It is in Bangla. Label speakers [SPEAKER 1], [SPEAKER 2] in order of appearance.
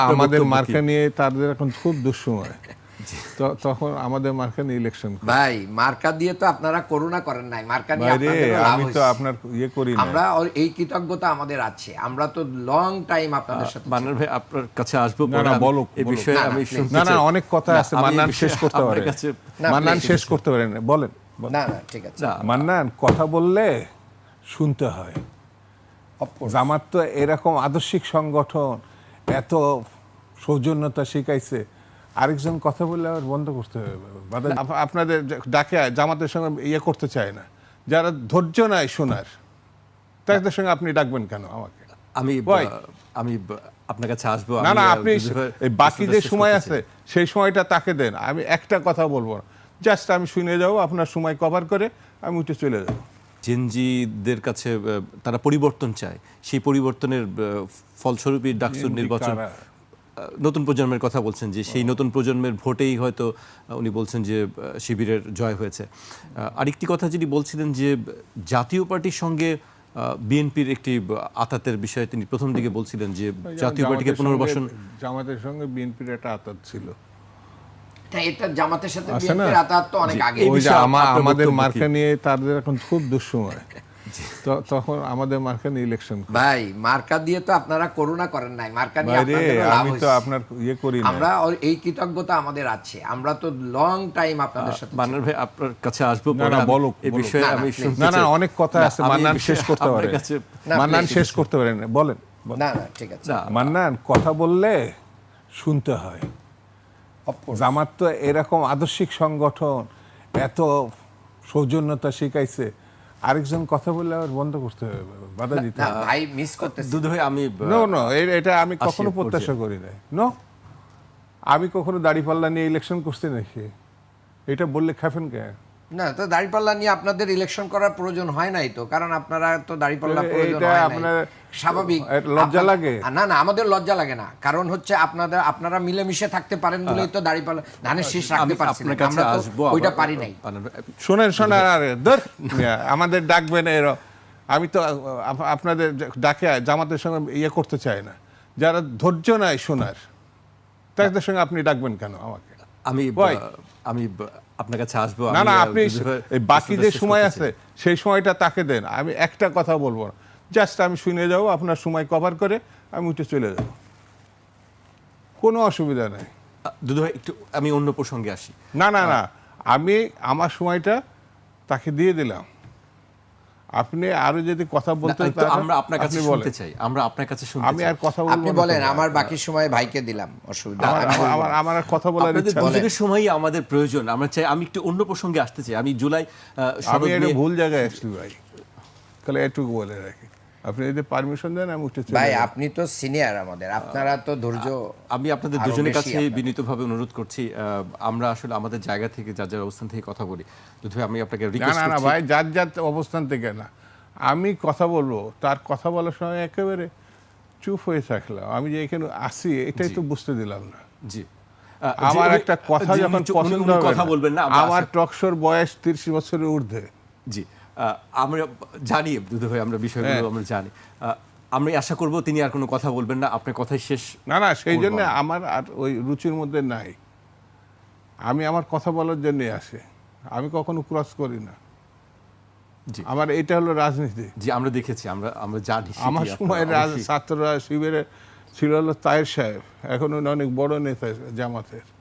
[SPEAKER 1] আমাদের মার্কা নিয়ে তাদের এখন খুব দুঃসময়। তখন আমাদের মার্কা নিয়ে ইলেকশন
[SPEAKER 2] ভাই মার্কা দিয়ে তো আপনারা করুণা করেন নাই, মার্কা নিয়ে
[SPEAKER 1] বাইরে
[SPEAKER 2] আপনাদের লাভ
[SPEAKER 1] আমি তো
[SPEAKER 2] হয়েছে।
[SPEAKER 1] আপনার ইয়ে করি না।
[SPEAKER 2] আমরা এই কৃতজ্ঞতা আমাদের আছে, আমরা তো লং টাইম আপনাদের সাথে
[SPEAKER 3] মান্নান ভাই আপনার কাছে আসবো
[SPEAKER 1] না, না, বলো,
[SPEAKER 3] এই
[SPEAKER 1] বলো।
[SPEAKER 3] বিষয়ে
[SPEAKER 2] না,
[SPEAKER 3] আমি
[SPEAKER 2] please।
[SPEAKER 3] শুনতে
[SPEAKER 1] না না
[SPEAKER 3] চাই।
[SPEAKER 1] অনেক কথা আছে,
[SPEAKER 3] আমি
[SPEAKER 1] মান্নান
[SPEAKER 3] এই বিষয়ে
[SPEAKER 1] শেষ করতে
[SPEAKER 3] আপনার
[SPEAKER 1] পারে,
[SPEAKER 3] কাছে
[SPEAKER 2] না,
[SPEAKER 1] মান্নান
[SPEAKER 2] please।
[SPEAKER 1] শেষ করতে পারেন, বলেন।
[SPEAKER 2] না না ঠিক আছে।
[SPEAKER 3] না,
[SPEAKER 1] মান্নান কথা বললে শুনতে হয়।
[SPEAKER 2] Of course।
[SPEAKER 1] জামাত তো এরকম আদর্শিক সংগঠন, এত সৌজন্যতা শিখাইছে, আরেকজন কথা বললে আবার বন্ধ করতে হবে, বাধা আপনাদের ডাকে জামাতের সঙ্গে ইয়ে করতে চায় না, যারা ধৈর্য নাই শোনার, তাদের সঙ্গে আপনি ডাকবেন কেন আমাকে?
[SPEAKER 3] আমি
[SPEAKER 1] Why?
[SPEAKER 3] আমি আপনার কাছে আসবো।
[SPEAKER 1] না না,
[SPEAKER 3] আমি,
[SPEAKER 1] আপনি
[SPEAKER 3] দুধু ভাইয়ের
[SPEAKER 1] এই বাকি যে
[SPEAKER 3] প্রশ্নটা শেষ
[SPEAKER 1] সময়
[SPEAKER 3] করতে
[SPEAKER 1] আছে
[SPEAKER 3] চাই।
[SPEAKER 1] সেই সময়টা তাকে দেন, আমি একটা কথা বলবো না, জাস্ট আমি শুনে যাবো, আপনার সময় কভার করে আমি উঠে চলে যাবো।
[SPEAKER 3] জেনজিদের কাছে তারা পরিবর্তন চায়, সেই পরিবর্তনের ফলস্বরূপই ডাকসুর নির্বাচন। নতুন প্রজন্মের কথা বলছেন যে সেই নতুন প্রজন্মের ভোটেই হয়তো উনি বলছেন যে শিবিরের জয় হয়েছে। আরেকটি কথা যিনি বলছিলেন যে জাতীয় পার্টির সঙ্গে বিএনপির একটি আতাতের বিষয়ে তিনি প্রথম দিকে বলছিলেন যে জাতীয় পার্টিকে পুনর্বাসন।
[SPEAKER 1] জামাতের সঙ্গে বিএনপির একটা আতাত ছিল,
[SPEAKER 2] তাই এটা জামাতের সাথে
[SPEAKER 1] আছে না?
[SPEAKER 2] বিএনপির আতাত তো অনেক আগে।
[SPEAKER 3] এই
[SPEAKER 1] ওই যে
[SPEAKER 3] বিষয়ে আপনার
[SPEAKER 1] আমাদের
[SPEAKER 3] বক্তব্য কি?
[SPEAKER 1] মার্কা নিয়ে তাদের এখন খুব দুঃসময়। তখন আমাদের মার্কা নিয়ে ইলেকশন।
[SPEAKER 2] ভাই মার্কা দিয়ে তো আপনারা করুণা করেন নাই, মার্কা নিয়ে
[SPEAKER 1] বাইরে
[SPEAKER 2] আপনাদের লাভ
[SPEAKER 1] আমি তো
[SPEAKER 2] হয়েছে।
[SPEAKER 1] আপনার ইয়ে করি না।
[SPEAKER 2] আমরা এই কৃতজ্ঞতা আমাদের আছে, আমরা তো লং টাইম আপনাদের সাথে
[SPEAKER 3] মান্নান ভাই আপনার কাছে আসবো।
[SPEAKER 1] না, না, বলো,
[SPEAKER 3] এই
[SPEAKER 1] বলো।
[SPEAKER 3] বিষয়ে
[SPEAKER 2] না, না,
[SPEAKER 3] আমি
[SPEAKER 2] please।
[SPEAKER 3] শুনতে
[SPEAKER 1] না না
[SPEAKER 3] চাই।
[SPEAKER 1] অনেক কথা
[SPEAKER 3] না,
[SPEAKER 1] আছে,
[SPEAKER 3] আমি এই
[SPEAKER 1] মান্নান
[SPEAKER 3] বিষয়ে
[SPEAKER 1] শেষ করতে
[SPEAKER 3] আপনার
[SPEAKER 1] পারে,
[SPEAKER 3] কাছে
[SPEAKER 2] না,
[SPEAKER 1] মান্নান
[SPEAKER 2] please।
[SPEAKER 1] শেষ করতে পারেন, বলেন।
[SPEAKER 2] না না ঠিক আছে।
[SPEAKER 3] না,
[SPEAKER 1] মান্নান কথা বললে শুনতে হয়।
[SPEAKER 2] Of course।
[SPEAKER 1] জামাত তো এরকম আদর্শিক সংগঠন, এত সৌজন্যতা শিখাইছে, আরেকজন কথা বললে আবার বন্ধ করতে হবে, বাধা দিতে
[SPEAKER 2] না
[SPEAKER 1] হবে।
[SPEAKER 2] ভাই মিস করতেছি।
[SPEAKER 3] দুধু ভাই আমি
[SPEAKER 1] নো নো, এটা আমি কখনো
[SPEAKER 3] আসি
[SPEAKER 1] প্রত্যাশা করি নাই। নো, আমি কখনো দাড়িপাল্লা নিয়ে ইলেকশন করছি নাকি? এটা বললে খাবেন কে?
[SPEAKER 2] না তো দাড়িপাল্লা নিয়ে আপনাদের ইলেকশন করার প্রয়োজন হয় নাই তো, কারণ আপনারা তো দাড়িপাল্লা
[SPEAKER 1] এটা
[SPEAKER 2] প্রয়োজন হয় নাই।
[SPEAKER 1] আপনার-
[SPEAKER 2] স্বাভাবিক।
[SPEAKER 1] লজ্জা
[SPEAKER 2] আপনাদের-
[SPEAKER 1] লাগে?
[SPEAKER 2] না না আমাদের লজ্জা লাগে না, কারণ হচ্ছে আপনারা মিলেমিশে থাকতে পারেন বলেই তো দাড়িপাল্লা ধানের শীষ রাখতে
[SPEAKER 3] আমি
[SPEAKER 2] পারছি না।
[SPEAKER 3] আপনার কাছে
[SPEAKER 2] আমরা তো
[SPEAKER 3] আসবো।
[SPEAKER 2] ওইটা
[SPEAKER 3] আবার।
[SPEAKER 2] পারি নাই।
[SPEAKER 1] শোনেন আরে ধর, আমাদের ডাকবেন আমি তো আপনাদের ডাকে জামাতের সঙ্গে ইয়ে করতে চাই না, যারা ধৈর্য নাই শোনার, তাদের সঙ্গে আপনি ডাকবেন কেন আমাকে?
[SPEAKER 3] আমি
[SPEAKER 1] Why?
[SPEAKER 3] আমি আপনার কাছে আসবো।
[SPEAKER 1] না
[SPEAKER 3] আমি,
[SPEAKER 1] না, আপনি
[SPEAKER 3] দুধু ভাইয়ের
[SPEAKER 1] এই বাকি
[SPEAKER 3] প্রশ্নটা
[SPEAKER 1] যে
[SPEAKER 3] শেষ
[SPEAKER 1] সময়
[SPEAKER 3] করতে
[SPEAKER 1] আছে
[SPEAKER 3] চাই।
[SPEAKER 1] সেই সময়টা তাকে দেন, আমি একটা কথা বলবো না, জাস্ট আমি শুনে যাবো, আপনার সময় কভার করে আমি উঠে চলে যাব, কোনো অসুবিধা নেই।
[SPEAKER 3] দুধু ভাই একটু আমি অন্য প্রসঙ্গে আসি।
[SPEAKER 1] না না না, আমি আমার সময়টা তাকে দিয়ে দিলাম, আপনি আরো যদি কথা বলতে
[SPEAKER 3] না, একটু আমরা আপনার কাছে শুনতে চাই, আমরা আপনার কাছে শুনতে
[SPEAKER 1] আমি
[SPEAKER 3] চাই।
[SPEAKER 1] আর কথা বলবো
[SPEAKER 2] আপনি
[SPEAKER 1] না
[SPEAKER 2] বলেন,
[SPEAKER 1] তো।
[SPEAKER 2] আমার বাকি সময় ভাইকে দিলাম, অসুবিধা
[SPEAKER 1] আমার-
[SPEAKER 2] আমি বলবো
[SPEAKER 1] আমার-
[SPEAKER 2] না।
[SPEAKER 1] আমার আর কথা বলার
[SPEAKER 3] আপনাদের
[SPEAKER 1] ইচ্ছা নেই।
[SPEAKER 3] দুজনের সময়ই আমাদের প্রয়োজন। আমরা চাই, আমি একটু অন্য প্রসঙ্গে আসতে চাই। আমি জুলাই
[SPEAKER 1] আমি
[SPEAKER 3] সনদ
[SPEAKER 1] এটা
[SPEAKER 3] নিয়ে-
[SPEAKER 1] ভুল জায়গায় আসছি ভাই, তাহলে এটুকু বলে রাখি, আপনি যদি পারমিশন দেন আমি উঠে চলে
[SPEAKER 2] ভাই
[SPEAKER 1] যাবো।
[SPEAKER 2] আপনি তো সিনিয়র আমাদের, আপনারা তো ধৈর্য।
[SPEAKER 3] আমি আপনাদের
[SPEAKER 2] আরো
[SPEAKER 3] দুজনের
[SPEAKER 2] বেশি
[SPEAKER 3] কাছে
[SPEAKER 2] আপনাদের।
[SPEAKER 3] বিনীতভাবে অনুরোধ করছি, আমরা আসলে আমাদের জায়গা থেকে যার যার অবস্থান থেকে কথা বলি। দুধু ভাই আমি আপনাকে
[SPEAKER 1] না
[SPEAKER 3] রিকোয়েস্ট
[SPEAKER 1] না না
[SPEAKER 3] করছি।
[SPEAKER 1] ভাই, যার অবস্থান থেকে না, আমি কথা বলবো, তার কথা বলার সময় একেবারে চুপ হয়ে থাকলাম, আমি যে এখানে আসি এটাই তো বুঝতে দিলাম না।
[SPEAKER 3] জি
[SPEAKER 1] আমার একটা কথা যখন পছন্দ হবে
[SPEAKER 3] কথা
[SPEAKER 1] না,
[SPEAKER 3] বলবেন না,
[SPEAKER 1] আমার টকশোর বয়স 30 বছরের ঊর্ধ্বে।
[SPEAKER 3] জি আমরা জানি দুধু ভাই, আমরা বিষয়গুলো
[SPEAKER 1] হ্যাঁ।
[SPEAKER 3] আমরা জানি। আমরা আশা করব তিনি আর কোনো কথা বলবেন না, আপনার কথাই শেষ।
[SPEAKER 1] না না, সেই
[SPEAKER 3] করবো
[SPEAKER 1] জন্য
[SPEAKER 3] আমি।
[SPEAKER 1] আমার আর ওই রুচির মধ্যে নাই, আমি আমার কথা বলার জন্যে আসি, আমি কখনো ক্রস করি না।
[SPEAKER 3] জি।
[SPEAKER 1] আমার এটা হলো রাজনীতি।
[SPEAKER 3] জি আমরা দেখেছি, আমরা জানি।
[SPEAKER 1] আমার
[SPEAKER 3] সেটি
[SPEAKER 1] সময়
[SPEAKER 3] আপনারা অবশ্যই-
[SPEAKER 1] ছাত্ররা শিবিরে ছিল হলো তায়ের সাহেব, এখন উনি অনেক বড় নেতা জামাতের।